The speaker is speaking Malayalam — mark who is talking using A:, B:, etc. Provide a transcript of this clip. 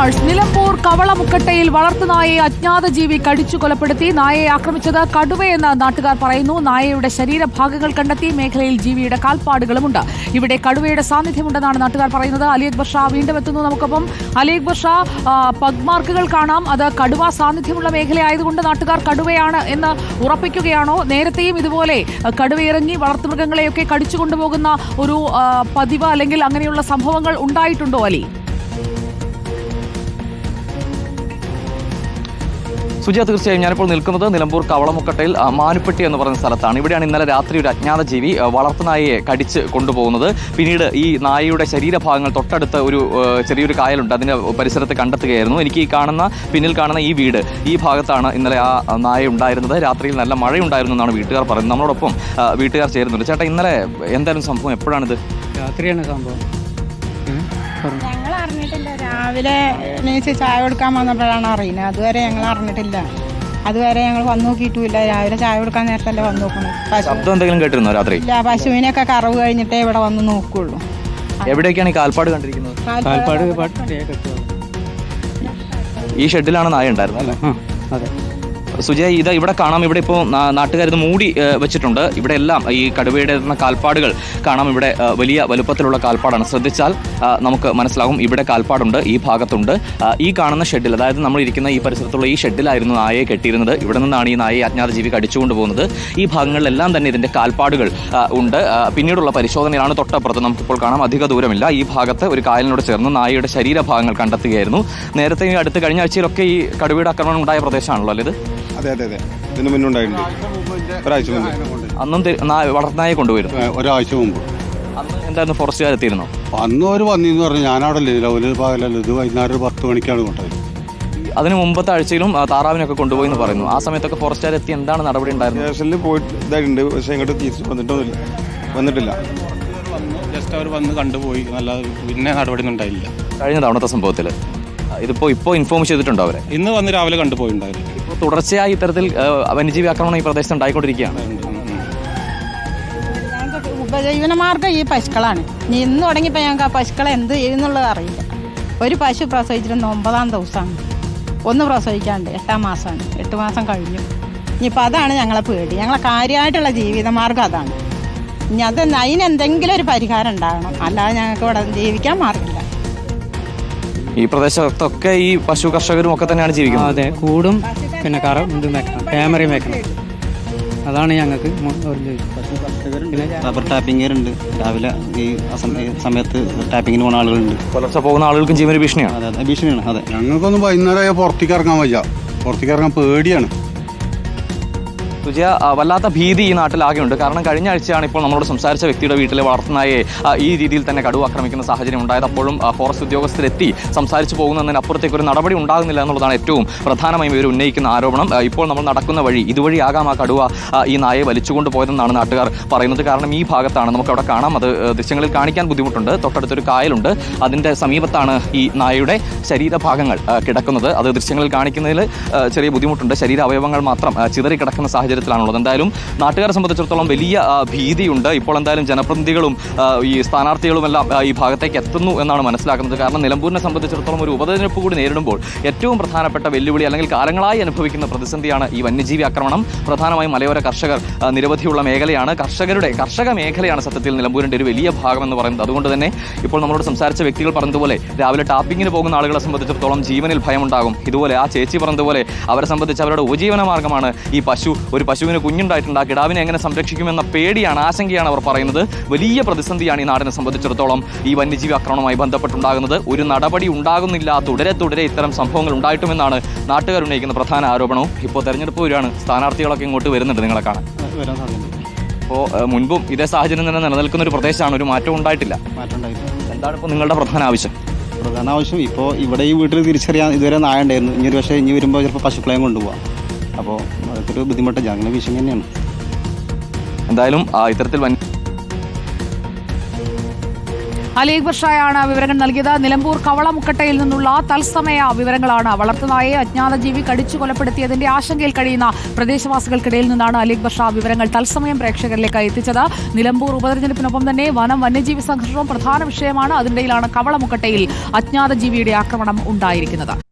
A: വാർസ്. നിലമ്പൂർ കവളമുക്കട്ടയിൽ വളർത്തുനായയെ അജ്ഞാത ജീവി കടിച്ചു കൊലപ്പെടുത്തി. നായയെ ആക്രമിച്ചത് കടുവയെന്ന് നാട്ടുകാർ പറയുന്നു. നായയുടെ ശരീരഭാഗങ്ങൾ കണ്ടെത്തി. മേഖലയിൽ ജീവിയുടെ കാൽപ്പാടുകളുമുണ്ട്. ഇവിടെ കടുവയുടെ സാന്നിധ്യമുണ്ടെന്നാണ് നാട്ടുകാർ പറയുന്നത്. അലി അക്ബർ ഷാ വീണ്ടും എത്തുന്നു നമുക്കൊപ്പം. അലി അക്ബർ ഷാ, പഗ് മാർക്കുകൾ കാണാം. അത് കടുവ സാന്നിധ്യമുള്ള മേഖലയായതുകൊണ്ട് നാട്ടുകാർ കടുവയാണ് എന്ന് ഉറപ്പിക്കുകയാണോ? നേരത്തെയും ഇതുപോലെ കടുവയിറങ്ങി വളർത്തുമൃഗങ്ങളെയൊക്കെ കടിച്ചു കൊണ്ടുപോകുന്ന ഒരു പതിവ് അല്ലെങ്കിൽ അങ്ങനെയുള്ള സംഭവങ്ങൾ ഉണ്ടായിട്ടുണ്ടോ അലി?
B: സുജയ, തീർച്ചയായും ഞാനിപ്പോൾ നിൽക്കുന്നത് നിലമ്പൂർ കവളമുക്കട്ടയിൽ മാനുപ്പെട്ടി എന്ന് പറയുന്ന സ്ഥലത്താണ്. ഇവിടെയാണ് ഇന്നലെ രാത്രി ഒരു അജ്ഞാത ജീവി വളർത്തുനായയെ കടിച്ച് കൊണ്ടുപോകുന്നത്. പിന്നീട് ഈ നായയുടെ ശരീരഭാഗങ്ങൾ തൊട്ടടുത്ത് ഒരു ചെറിയൊരു കായലുണ്ട്, അതിൻ്റെ പരിസരത്ത് കണ്ടെത്തുകയായിരുന്നു. എനിക്ക് പിന്നിൽ കാണുന്ന ഈ വീട്, ഈ ഭാഗത്താണ് ഇന്നലെ ആ നായ ഉണ്ടായിരുന്നത്. രാത്രിയിൽ നല്ല മഴയുണ്ടായിരുന്നു എന്നാണ് വീട്ടുകാർ പറയുന്നത്. നമ്മളോടൊപ്പം വീട്ടുകാർ ചേരുന്നുണ്ട്. ചേട്ടാ, ഇന്നലെ എന്തായാലും സംഭവം എപ്പോഴാണിത്?
C: രാത്രിയാണ് സംഭവം.
D: ഞങ്ങൾ അറിഞ്ഞിട്ടില്ല. രാവിലെ എണീച്ച് ചായ കൊടുക്കാൻ വന്നപ്പോഴാണ് അറിയുന്നത്. അതുവരെ ഞങ്ങൾ അറിഞ്ഞിട്ടില്ല. അതുവരെ ഞങ്ങൾ വന്നു നോക്കിയിട്ടുമില്ല. രാവിലെ ചായ കൊടുക്കാൻ നേരത്തല്ലേ വന്നു നോക്കുന്നത്.
B: ശബ്ദം എന്തെങ്കിലും കേട്ടിരുന്നോ രാത്രി?
D: ഇല്ല, പശുവിനൊക്കെ കറവ് കഴിഞ്ഞിട്ടേ ഇവിടെ വന്ന് നോക്കുള്ളൂ.
B: എവിടെയൊക്കെയാണ് ഈ കാൽപ്പാട് കണ്ടിരിക്കുന്നത്? ഈ ഷെഡിലാണ് നായ ഉണ്ടായിരുന്നത്.
C: അതെ
B: സുജയ, ഇത് ഇവിടെ കാണാം. ഇവിടെ ഇപ്പോൾ നാട്ടുകാരിത് മൂടി വെച്ചിട്ടുണ്ട്. ഇവിടെ എല്ലാം ഈ കടുവയുടെ കാൽപ്പാടുകൾ കാണാം. ഇവിടെ വലിയ വലുപ്പത്തിലുള്ള കാൽപ്പാടാണ്. ശ്രദ്ധിച്ചാൽ നമുക്ക് മനസ്സിലാകും. ഇവിടെ കാൽപ്പാടുണ്ട്, ഈ ഭാഗത്തുണ്ട്. ഈ കാണുന്ന ഷെഡിൽ, അതായത് നമ്മൾ ഇരിക്കുന്ന ഈ പരിസരത്തുള്ള ഈ ഷെഡിലായിരുന്നു നായയെ കെട്ടിയിരുന്നത്. ഇവിടെ നിന്നാണ് ഈ നായയെ അജ്ഞാത ജീവി കടിച്ചുകൊണ്ട് പോകുന്നത്. ഈ ഭാഗങ്ങളിലെല്ലാം തന്നെ ഇതിൻ്റെ കാൽപ്പാടുകൾ ഉണ്ട്. പിന്നീടുള്ള പരിശോധനയിലാണ് തൊട്ടപ്പുറത്ത് നമുക്കിപ്പോൾ കാണാം. അധിക ദൂരമില്ല. ഈ ഭാഗത്ത് ഒരു കായലിനോട് ചേർന്ന് നായയുടെ ശരീരഭാഗങ്ങൾ കണ്ടെത്തുകയായിരുന്നു. നേരത്തെ അടുത്ത കഴിഞ്ഞ ആഴ്ചയിലൊക്കെ ഈ കടുവയുടെ ആക്രമണം ഉണ്ടായ പ്രദേശമാണല്ലോ അല്ലേ ഇത്?
E: അതെ അതെ അതെ, ഇതിന് മുന്നുണ്ടായിട്ടുണ്ട്. ഒരാഴ്ച മുമ്പ്.
B: അന്നും വളർത്തുനായെ കൊണ്ടുപോയിരുന്നു.
E: ഒരാഴ്ച മുമ്പ്.
B: അന്ന് എന്തായിരുന്നു, ഫോറസ്റ്റുകാർ എത്തിയിരുന്നോ?
E: അന്ന് അവർ വന്നിന്ന് പറഞ്ഞു. ഞാനവിടെ ഇല്ല, ഒരു പകലല്ലോ. ഇത് വൈകുന്നേരം 10 മണിക്കാണ് കൊണ്ടുപോയത്.
B: അതിന് മുമ്പത്തെ ആഴ്ചയിലും താറാവിനൊക്കെ കൊണ്ടുപോയി എന്ന് പറയുന്നു. ആ സമയത്തൊക്കെ ഫോറസ്റ്റുകാർ എത്തി എന്താണ് നടപടി ഉണ്ടായിരുന്നത്?
E: സ്റ്റേഷനിൽ പോയിട്ട് ഇതായിട്ടുണ്ട്, പക്ഷേ ഇങ്ങോട്ട് തിരിച്ച് വന്നിട്ടില്ല.
F: ജസ്റ്റ് അവർ വന്ന് കണ്ടുപോയി, നല്ല പിന്നെ നടപടി ഒന്നും ഉണ്ടായില്ല.
B: കഴിഞ്ഞ തവണത്തെ സംഭവത്തിൽ ഇപ്പോൾ ഇൻഫോം ചെയ്തിട്ടുണ്ടോ അവരെ?
F: ഇന്ന് വന്ന് രാവിലെ കണ്ടുപോയിട്ടുണ്ടായിരുന്നു.
B: ഇപ്പോൾ തുടർച്ചയായി ഇത്തരത്തിൽ വന്യജീവി ആക്രമണം ഈ പ്രദേശത്ത് ഉണ്ടായിക്കൊണ്ടിരിക്കുകയാണ്.
D: ഞങ്ങൾക്ക് ഉപജീവനമാർഗ്ഗം ഈ പശുക്കളാണ്. ഇന്ന് തുടങ്ങിയപ്പോൾ ഞങ്ങൾക്ക് ആ പശുക്കളെ എന്ത് ചെയ്യുന്നുള്ളത് അറിയില്ല. ഒരു പശു പ്രസവിച്ചിരുന്ന 9-ാം ദിവസമാണ്. ഒന്ന് പ്രസവിക്കാണ്ട് 8-ാം മാസമാണ്. 8 മാസം കഴിഞ്ഞു. ഇനിയിപ്പോൾ അതാണ് ഞങ്ങളെ പേടി. ഞങ്ങളെ കാര്യമായിട്ടുള്ള ജീവിതമാർഗ്ഗം അതാണ്. ഇനി അതിനെന്തെങ്കിലും ഒരു പരിഹാരം ഉണ്ടാകണം. അല്ലാതെ ഞങ്ങൾക്ക് ഇവിടെ ജീവിക്കാൻ മാർഗമില്ല.
B: ഈ പ്രദേശത്തൊക്കെ ഈ പശു കർഷകരും ഒക്കെ തന്നെയാണ് ജീവിക്കുന്നത്.
C: അതെ, കൂടും പിന്നെ ഇതും വെക്കണം, ക്യാമറയും വെക്കണം. അതാണ് ഞങ്ങൾക്ക്.
G: റബ്ബർ ടാപ്പിംഗുണ്ട്. രാവിലെ ഈ സമയത്ത് ടാപ്പിങ്ങിന് പോകുന്ന ആളുകളുണ്ട്.
B: പുലർച്ചെ പോകുന്ന ആളുകൾക്കും ജീവന ഭീഷണിയാണ്.
G: അതെ അതെ, ഭീഷണിയാണ്. അതെ,
E: ഞങ്ങൾക്കൊന്നും വൈകുന്നേരം പുറത്തേക്ക് ഇറങ്ങാൻ വയ്യ. പുറത്തേക്ക് ഇറങ്ങാൻ പേടിയാണ്.
B: സുജയ, വല്ലാത്ത ഭീതി ഈ നാട്ടിലാകെയുണ്ട്. കാരണം കഴിഞ്ഞ ആഴ്ചയാണ് ഇപ്പോൾ നമ്മളോട് സംസാരിച്ച വ്യക്തിയുടെ വീട്ടിലെ വളർത്തുനായെ ഈ രീതിയിൽ തന്നെ കടുവ ആക്രമിക്കുന്ന സാഹചര്യം ഉണ്ടായത്. അപ്പോഴും ഫോറസ്റ്റ് ഉദ്യോഗസ്ഥരെത്തി സംസാരിച്ച് പോകുന്നതിനപ്പുറത്തേക്ക് ഒരു നടപടി ഉണ്ടാകുന്നില്ല എന്നുള്ളതാണ് ഏറ്റവും പ്രധാനമായും ഇവർ ഉന്നയിക്കുന്ന ആരോപണം. ഇപ്പോൾ നമ്മൾ നടക്കുന്ന വഴി ഇതുവഴിയാകാം ആ കടുവ ഈ നായയെ വലിച്ചുകൊണ്ട് പോയതെന്നാണ് നാട്ടുകാർ പറയുന്നത്. കാരണം ഈ ഭാഗത്താണ്, നമുക്കവിടെ കാണാം, അത് ദൃശ്യങ്ങളിൽ കാണിക്കാൻ ബുദ്ധിമുട്ടുണ്ട്. തൊട്ടടുത്തൊരു കായലുണ്ട്, അതിൻ്റെ സമീപത്താണ് ഈ നായയുടെ ശരീരഭാഗങ്ങൾ കിടക്കുന്നത്. അത് ദൃശ്യങ്ങളിൽ കാണിക്കുന്നതിൽ ചെറിയ ബുദ്ധിമുട്ടുണ്ട്. ശരീരാവയവങ്ങൾ മാത്രം ചിതറിക്കിടക്കുന്ന സാഹചര്യത്തിലാണുള്ളത്. എന്തായാലും നാട്ടുകാരെ സംബന്ധിച്ചിടത്തോളം വലിയ ഭീതിയുണ്ട്. ഇപ്പോൾ എന്തായാലും ജനപ്രതിനിധികളും ഈ സ്ഥാനാർത്ഥികളും എല്ലാം ഈ ഭാഗത്തേക്ക് എത്തുന്നു എന്നാണ് മനസ്സിലാക്കുന്നത്. കാരണം നിലമ്പൂരിനെ സംബന്ധിച്ചിടത്തോളം ഒരു ഉപതെരഞ്ഞെടുപ്പ് കൂടി നേരിടുമ്പോൾ ഏറ്റവും പ്രധാനപ്പെട്ട വെല്ലുവിളി അല്ലെങ്കിൽ കാലങ്ങളായി അനുഭവിക്കുന്ന പ്രതിസന്ധിയാണ് ഈ വന്യജീവി ആക്രമണം. പ്രധാനമായും മലയോര കർഷകർ നിരവധിയുള്ള മേഖലയാണ്. കർഷക മേഖലയാണ് സത്യത്തിൽ നിലമ്പൂരിൻ്റെ ഒരു വലിയ ഭാഗം എന്ന് പറയുന്നത്. അതുകൊണ്ട് തന്നെ ഇപ്പോൾ നമ്മളോട് സംസാരിച്ച വ്യക്തികൾ പറഞ്ഞതുപോലെ രാവിലെ ടാപ്പിങ്ങിന് പോകുന്ന ആളുകളെ സംബന്ധിച്ചിടത്തോളം ജീവനിൽ ഭയമുണ്ടാകും. ഇതുപോലെ ആ ചേച്ചി പറഞ്ഞതുപോലെ അവരെ സംബന്ധിച്ച് അവരുടെ ഉപജീവന മാർഗ്ഗമാണ് ഈ പശു. ഒരു പശുവിന് കുഞ്ഞുണ്ടായിട്ടുണ്ട്, ആ കിടാവിനെ എങ്ങനെ സംരക്ഷിക്കുമെന്ന പേടിയാണ്, ആശങ്കയാണ് അവർ പറയുന്നത്. വലിയ പ്രതിസന്ധിയാണ് ഈ നാടിനെ സംബന്ധിച്ചിടത്തോളം ഈ വന്യജീവി ആക്രമണവുമായി ബന്ധപ്പെട്ടുണ്ടാകുന്നത്. ഒരു നടപടി ഉണ്ടാകുന്നില്ല, തുടരെ ഇത്തരം സംഭവങ്ങൾ ഉണ്ടായിട്ടുമെന്നാണ് നാട്ടുകാർ ഉന്നയിക്കുന്ന പ്രധാന ആരോപണവും. ഇപ്പോൾ തെരഞ്ഞെടുപ്പ് വരികയാണ്, സ്ഥാനാർത്ഥികളൊക്കെ ഇങ്ങോട്ട് വരുന്നുണ്ട് നിങ്ങളെ കാണാൻ. അപ്പോൾ മുൻപും ഇതേ സാഹചര്യം തന്നെ നിലനിൽക്കുന്ന ഒരു പ്രദേശമാണ്, ഒരു മാറ്റവും ഉണ്ടായിട്ടില്ല. എന്താണ് ഇപ്പോൾ നിങ്ങളുടെ പ്രധാന ആവശ്യം?
G: ഇപ്പോൾ ഇവിടെ ഈ വീട്ടിൽ തിരിച്ചറിയാൻ ഇതുവരെ നായ ഉണ്ടായിരുന്നു. ഇനി വരുമ്പോൾ ചിലപ്പോൾ പശുക്കളെയും കൊണ്ടുപോകാം. അപ്പോൾ അതൊക്കെ ഒരു ബുദ്ധിമുട്ട്, ജനങ്ങളുടെ ഭീഷണി തന്നെയാണ്.
B: എന്തായാലും ഇത്തരത്തിൽ
A: അലി അക്ബർ ഷായാണ് വിവരങ്ങൾ നൽകിയത്. നിലമ്പൂർ കവളമുക്കട്ടയിൽ നിന്നുള്ള തത്സമയ വിവരങ്ങളാണ്. വളർത്തുനായെ അജ്ഞാത ജീവി കടിച്ചു കൊലപ്പെടുത്തിയതിന്റെ ആശങ്കയിൽ കഴിയുന്ന പ്രദേശവാസികൾക്കിടയിൽ നിന്നാണ് അലി അക്ബർ ഷാ വിവരങ്ങൾ തത്സമയം പ്രേക്ഷകരിലേക്ക് എത്തിച്ചത്. നിലമ്പൂർ ഉപതെരഞ്ഞെടുപ്പിനൊപ്പം തന്നെ വന്യജീവി സംഘർഷവും പ്രധാന വിഷയമാണ്. അതിനിടയിലാണ് കവളമുക്കട്ടയിൽ അജ്ഞാത ജീവിയുടെ ആക്രമണം ഉണ്ടായിരിക്കുന്നത്.